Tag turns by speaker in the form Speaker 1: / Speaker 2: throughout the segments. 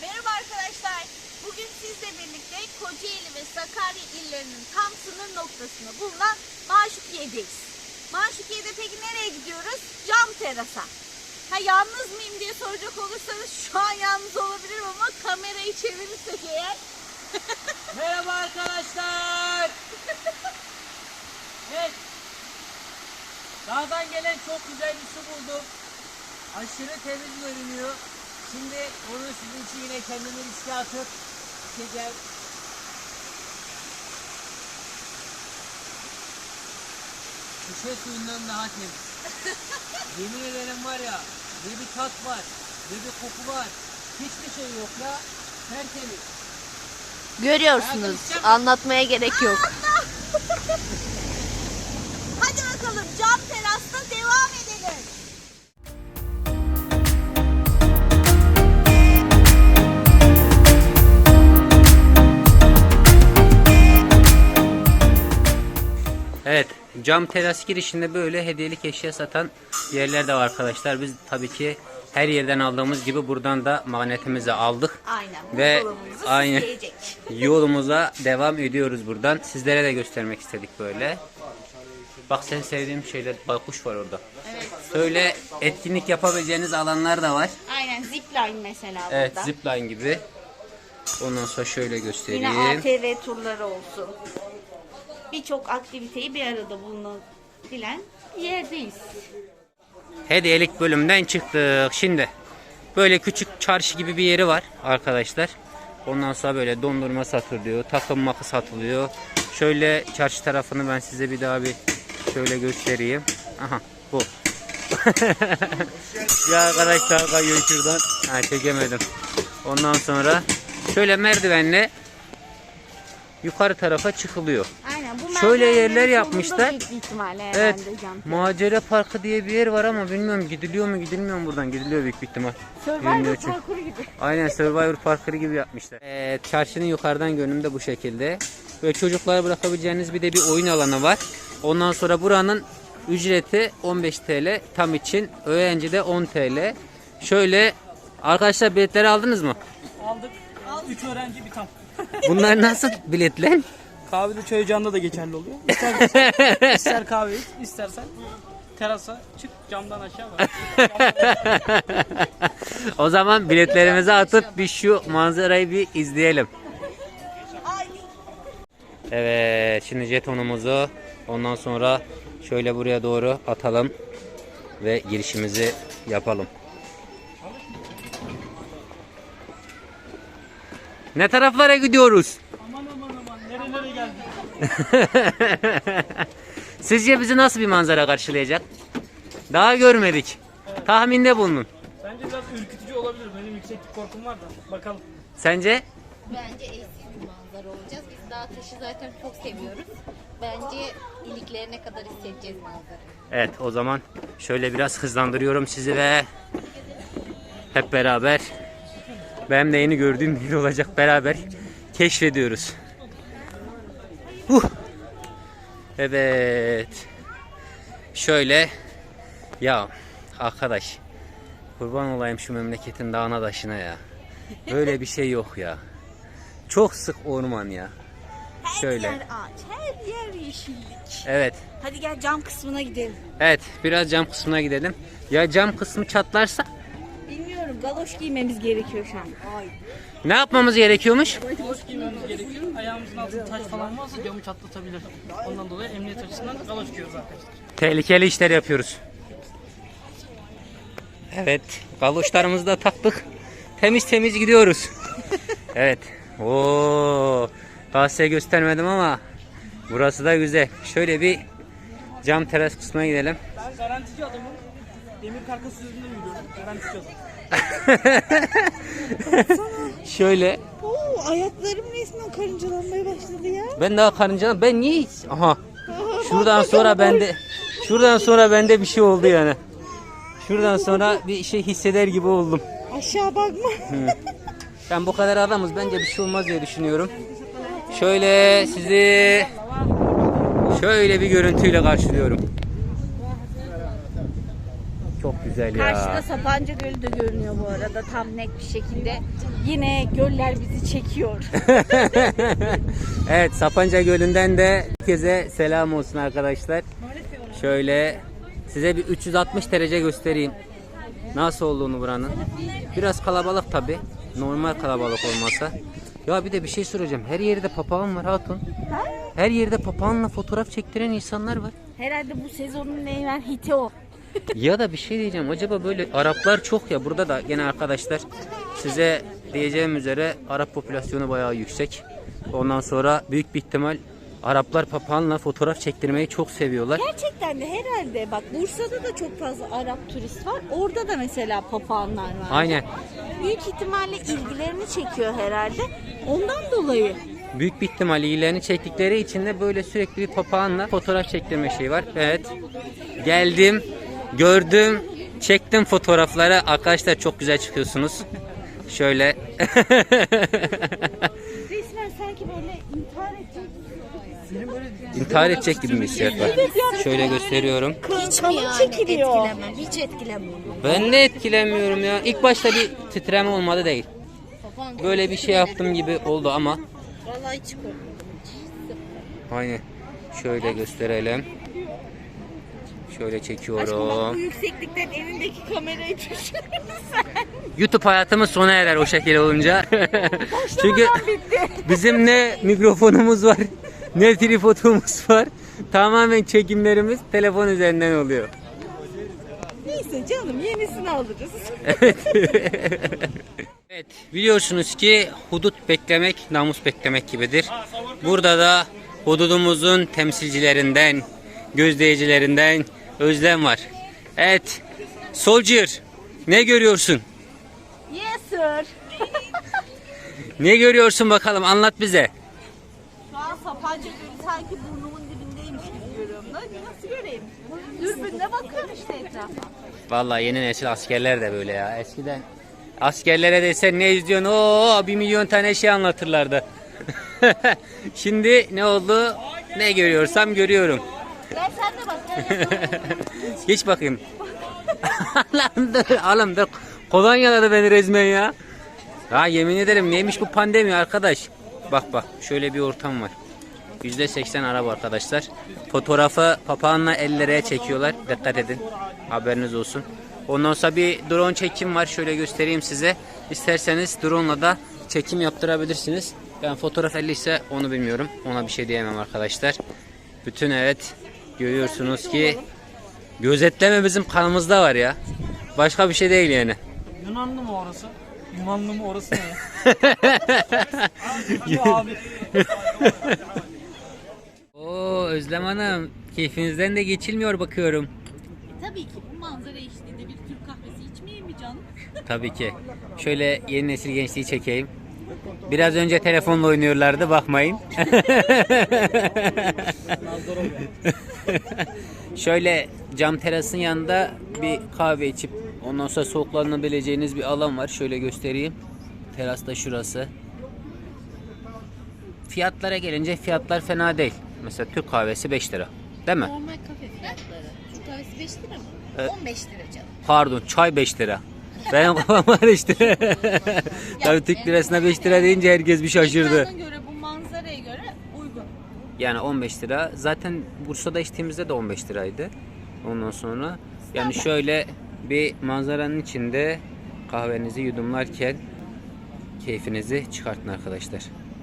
Speaker 1: Merhaba arkadaşlar. Bugün sizle birlikte Kocaeli ve Sakarya illerinin tam sınır noktasında bulunan Maşukiye'deyiz. Maşukiye'de peki nereye gidiyoruz? Cam terasa. Yalnız mıyım diye soracak olursanız şu an yalnız olabilirim ama kamerayı çevirirsek eğer.
Speaker 2: Merhaba arkadaşlar. Evet. Dağdan gelen çok güzel bir su buldum. Aşırı temiz görünüyor. Şimdi onu sizin için yine kendimi riske atıp içeceğim. Şişe suyundan daha temiz. Yemin ederim var ya, ne bir tat var, ne bir koku var. Hiçbir şey yok ya. Tertemiz.
Speaker 3: Görüyorsunuz. Anlatmaya gerek yok.
Speaker 1: Hadi bakalım cam terasta devam edelim.
Speaker 4: Evet, cam teras girişinde böyle hediyelik eşya satan yerler de var arkadaşlar. Biz tabii ki her yerden aldığımız gibi buradan da magnetimizi aldık.
Speaker 1: Aynen.
Speaker 4: Ve
Speaker 1: buzdolabımızı
Speaker 4: aynı
Speaker 1: süsleyecek.
Speaker 4: yolumuza devam ediyoruz buradan. Sizlere de göstermek istedik böyle. Bak sen sevdiğim şeyler, baykuş var orada.
Speaker 1: Evet.
Speaker 4: Böyle etkinlik yapabileceğiniz alanlar da var.
Speaker 1: Aynen zipline mesela
Speaker 4: Evet,
Speaker 1: burada.
Speaker 4: zipline gibi. Ondan sonra şöyle göstereyim.
Speaker 1: Yine ATV turları olsun. Birçok aktiviteyi bir arada bulunabilen yerdeyiz.
Speaker 4: Hediyelik bölümden çıktık. Şimdi böyle küçük çarşı gibi bir yeri var arkadaşlar. Ondan sonra böyle dondurma satılıyor, takım makı satılıyor. Şöyle çarşı tarafını ben size bir daha bir şöyle göstereyim. Aha bu. Ya arkadaşlar kayıyor şuradan. Ha, çekemedim. Ondan sonra şöyle merdivenle yukarı tarafa çıkılıyor.
Speaker 1: Aynen bu
Speaker 4: Şöyle
Speaker 1: merdivenlerin
Speaker 4: yerler
Speaker 1: sonunda
Speaker 4: yapmışlar.
Speaker 1: büyük bir ihtimalle
Speaker 4: Evet.
Speaker 1: herhalde cam.
Speaker 4: Macera Parkı diye bir yer var ama bilmiyorum gidiliyor mu gidilmiyor mu buradan. Gidiliyor büyük bir ihtimal.
Speaker 1: Survivor
Speaker 4: Bilmiyorum çünkü.
Speaker 1: parkuru gibi.
Speaker 4: Aynen Survivor Parkı gibi yapmışlar. Çarşının yukarıdan görünümü de bu şekilde. Böyle çocuklara bırakabileceğiniz bir de bir oyun alanı var. Ondan sonra buranın ücreti 15 TL tam için. Öğrenci de 10 TL. Şöyle arkadaşlar biletleri aldınız mı?
Speaker 2: Aldık. 3 öğrenci bir tam.
Speaker 4: Bunlar nasıl biletler?
Speaker 2: Kahvede çay ocağında da geçerli oluyor. İster kahve iç, istersen terasa çık, camdan aşağı bak.
Speaker 4: O zaman biletlerimizi atıp bir şu manzarayı bir izleyelim. Evet, şimdi jetonumuzu ondan sonra şöyle buraya doğru atalım ve girişimizi yapalım. Ne taraflara gidiyoruz?
Speaker 2: Aman nerelere geldik?
Speaker 4: Sizce bizi nasıl bir manzara karşılayacak? Daha görmedik. Tahminde bulunun.
Speaker 2: Bence biraz ürkütücü olabilir. Benim yükseklik korkum var da. Bakalım.
Speaker 4: Sence?
Speaker 3: Bence eşsiz bir manzara olacağız. Biz dağ taşı zaten çok seviyoruz. Bence iliklerine kadar hissedeceğiz manzarayı.
Speaker 4: Evet, o zaman şöyle biraz hızlandırıyorum sizi ve hep beraber benim de yeni gördüğüm bir yer olacak, beraber keşfediyoruz. Evet. Şöyle ya arkadaş, kurban olayım şu memleketin dağına taşına ya. Böyle bir şey yok ya. Çok sık orman ya. Şöyle.
Speaker 1: Her yer ağaç, her yer yeşillik.
Speaker 4: Evet.
Speaker 1: Hadi gel cam kısmına gidelim.
Speaker 4: Evet, biraz cam kısmına gidelim. Ya cam kısmı çatlarsa
Speaker 1: Bilmiyorum, galoş giymemiz gerekiyor şu an. Ay.
Speaker 4: ne yapmamız gerekiyormuş?
Speaker 2: Galoş giymemiz gerekiyor. Ayağımızın altında taş falan varsa camı çatlatabilir. Ondan dolayı emniyet açısından galoş giyiyoruz arkadaşlar.
Speaker 4: Tehlikeli işler yapıyoruz. Evet, galoşlarımızı da taktık. Temiz temiz gidiyoruz. Evet. Oo, daha size göstermedim ama burası da güzel. Şöyle bir cam teras kısmına gidelim.
Speaker 2: Ben garantici adamım. Demir karkas üzerinde yürüyorum. Garantici adam.
Speaker 4: Şöyle.
Speaker 1: Oo, ayaklarım resmen karıncalanmaya başladı ya.
Speaker 4: Ben daha karıncalan. Ben niye hiç? Aha. Şuradan sonra bende bir şey oldu yani. Şuradan sonra bir şey hisseder gibi oldum.
Speaker 1: Aşağı bakma.
Speaker 4: Ben bu kadar adamız, bence bir şey olmaz diye düşünüyorum. Şöyle sizi şöyle bir görüntüyle karşılıyorum. Çok güzel. güzel ya.
Speaker 1: Karşıda Sapanca Gölü de görünüyor bu arada tam net bir şekilde. Yine göller bizi çekiyor.
Speaker 4: Evet, Sapanca Gölü'nden de herkese selam olsun arkadaşlar. Şöyle size bir 360 derece göstereyim. Nasıl olduğunu buranın. Biraz kalabalık tabi. Normal kalabalık olmasa. Ya bir de bir şey soracağım. Her yerde papağan var hatun. Her yerde papağanla fotoğraf çektiren insanlar var.
Speaker 1: Herhalde bu sezonun en hiti o.
Speaker 4: Ya da bir şey diyeceğim. Acaba böyle Araplar çok ya. Burada da gene arkadaşlar size diyeceğim üzere Arap popülasyonu bayağı yüksek. Ondan sonra büyük bir ihtimal Araplar papağanla fotoğraf çektirmeyi çok seviyorlar.
Speaker 1: Gerçekten de herhalde bak Bursa'da da çok fazla Arap turist var. Orada da mesela papağanlar var.
Speaker 4: Aynen.
Speaker 1: Büyük ihtimalle ilgilerini çekiyor herhalde. Ondan dolayı.
Speaker 4: Büyük bir ihtimal iyilerini çektikleri için de böyle sürekli bir papağanla fotoğraf çektirme şeyi var. Evet. Geldim, gördüm, çektim fotoğrafları. Arkadaşlar çok güzel çıkıyorsunuz. Şöyle.
Speaker 1: Resmen sanki böyle intihar edecek.
Speaker 4: İntihar edecek gibi bir hissiyat var. Şöyle gösteriyorum.
Speaker 3: Hiç mi yani
Speaker 1: çekiliyor.
Speaker 3: etkilemem? Hiç etkilemem.
Speaker 4: Ben de etkilenmiyorum ya. İlk başta bir titreme olmadı değil. Böyle bir şey yaptım gibi oldu ama.
Speaker 3: Vallahi hiç korkmadım.
Speaker 4: Aynen. Şöyle gösterelim. Şöyle
Speaker 1: Aşkım bak bu
Speaker 4: çekiyorum.
Speaker 1: yükseklikten elindeki kamerayı düşürürsen.
Speaker 4: YouTube hayatımız sona erer o şekilde olunca. Çünkü
Speaker 1: bitti.
Speaker 4: bizim ne mikrofonumuz var, ne tripodumuz var. Tamamen çekimlerimiz telefon üzerinden oluyor.
Speaker 1: Neyse canım yenisini alırız.
Speaker 4: Evet, biliyorsunuz ki hudut beklemek namus beklemek gibidir. Burada da hududumuzun temsilcilerinden, gözleyicilerinden Özlem var. Evet, Soldier, ne görüyorsun?
Speaker 1: Yes sir.
Speaker 4: Ne görüyorsun bakalım, anlat bize.
Speaker 1: Şu an Sapanca Gölü sanki burnumun dibindeymiş gibi görüyorum. Nasıl göreyim? Dürbünle bakıyorum işte etrafa.
Speaker 4: Vallahi yeni nesil askerler de böyle ya. Eskiden askerlere desen ne izliyorsun? Oo, 1 milyon tane şey anlatırlardı. Şimdi ne oldu? Ne görüyorsam görüyorum.
Speaker 1: Gel sen de bak.
Speaker 4: Geç bakayım. Lan dur, oğlum dur. Kolonyaladı beni resmen ya. Ha yemin ederim neymiş bu pandemi arkadaş. Bak bak şöyle bir ortam var. %80 Arap arkadaşlar. Fotoğrafı papağanla ellere çekiyorlar. Dikkat edin. Haberiniz olsun. Ondan sonra bir drone çekim var. Şöyle göstereyim size. İsterseniz drone'la da çekim yaptırabilirsiniz. Ben fotoğraf 50 ise onu bilmiyorum. Ona bir şey diyemem arkadaşlar. Bütün evet görüyorsunuz ki gözetleme bizim kanımızda var ya. Başka bir şey değil yani.
Speaker 2: Yunanlı mı orası? Yumanlı mı orası ne? Abi.
Speaker 4: Oo Özlem Hanım, keyfinizden de geçilmiyor bakıyorum.
Speaker 1: Tabii ki bu manzara eşliğinde bir Türk kahvesi içmeyeyim mi canım?
Speaker 4: Tabii ki. Şöyle yeni nesil gençliği çekeyim. Biraz önce telefonla oynuyorlardı, bakmayın. Şöyle cam terasın yanında bir kahve içip ondan sonra soğuklanabileceğiniz bir alan var. Şöyle göstereyim. Teras da şurası. Fiyatlara gelince fiyatlar fena değil. Mesela Türk kahvesi 5 lira. Değil mi?
Speaker 3: Normal kafe fiyatları. Türk kahvesi 5 lira mı?
Speaker 4: Evet.
Speaker 3: 15 lira canım.
Speaker 4: Pardon, çay 5 lira. Benim kafam var işte. Tabii Türk lirasına 5 lira deyince herkes bir şaşırdı.
Speaker 1: Ekrana göre bu manzaraya göre uygun.
Speaker 4: Yani 15 lira. Zaten Bursa'da içtiğimizde de 15 liraydı. Ondan sonra yani şöyle bir manzaranın içinde kahvenizi yudumlarken keyfinizi çıkartın arkadaşlar.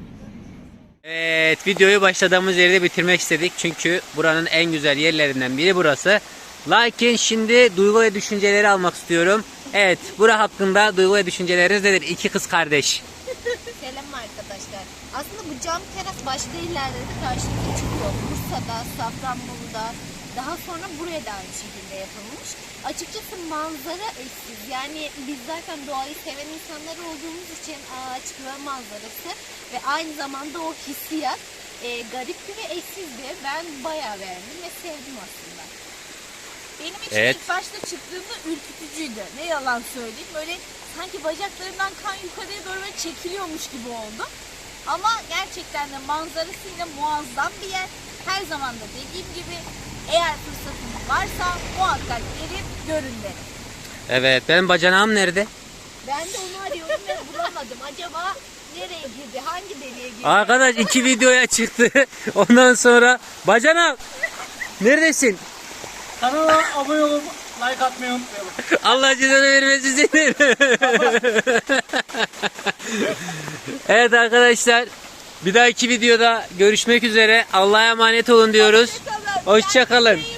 Speaker 4: Evet, videoyu başladığımız yerde bitirmek istedik. Çünkü buranın en güzel yerlerinden biri burası. Lakin şimdi duygu ve düşünceleri almak istiyorum. Evet, bura hakkında duygu ve düşünceleriniz nedir? İki kız kardeş.
Speaker 3: Selam arkadaşlar. Aslında bu cam teras başka illerde de karşımıza çıkıyor. Bursa'da, Safranbolu'da, daha sonra buraya da aynı şekilde yapılmış. Açıkçası manzara eşsiz. Yani biz zaten doğayı seven insanlar olduğumuz için ağaç ve manzarası ve aynı zamanda o hissiyat garipti ve eşsizdi. Ben bayağı beğendim ve sevdim aslında.
Speaker 1: Benim için
Speaker 4: Evet.
Speaker 1: ilk başta çıktığımda ürkütücüydü. Ne yalan söyleyeyim. Böyle sanki bacaklarından kan yukarıya doğru böyle çekiliyormuş gibi oldu. Ama gerçekten de manzarasıyla muazzam bir yer. Her zaman da dediğim gibi eğer fırsatınız varsa muhakkak gelin görün derim.
Speaker 4: Evet, benim bacanağım nerede?
Speaker 3: Ben de onu arıyorum ve bulamadım. Acaba nereye girdi? Hangi deliğe girdi?
Speaker 4: Arkadaş 2 videoya çıktı. Ondan sonra bacanağım neredesin?
Speaker 2: Kanala abone olup like atmayı unutmayalım.
Speaker 4: Allah cezanı vermesin seni. Evet arkadaşlar, bir dahaki videoda görüşmek üzere. Allah'a emanet olun diyoruz.
Speaker 1: Hoşça kalın.
Speaker 4: Hoşça kalın.
Speaker 1: Kendinize iyi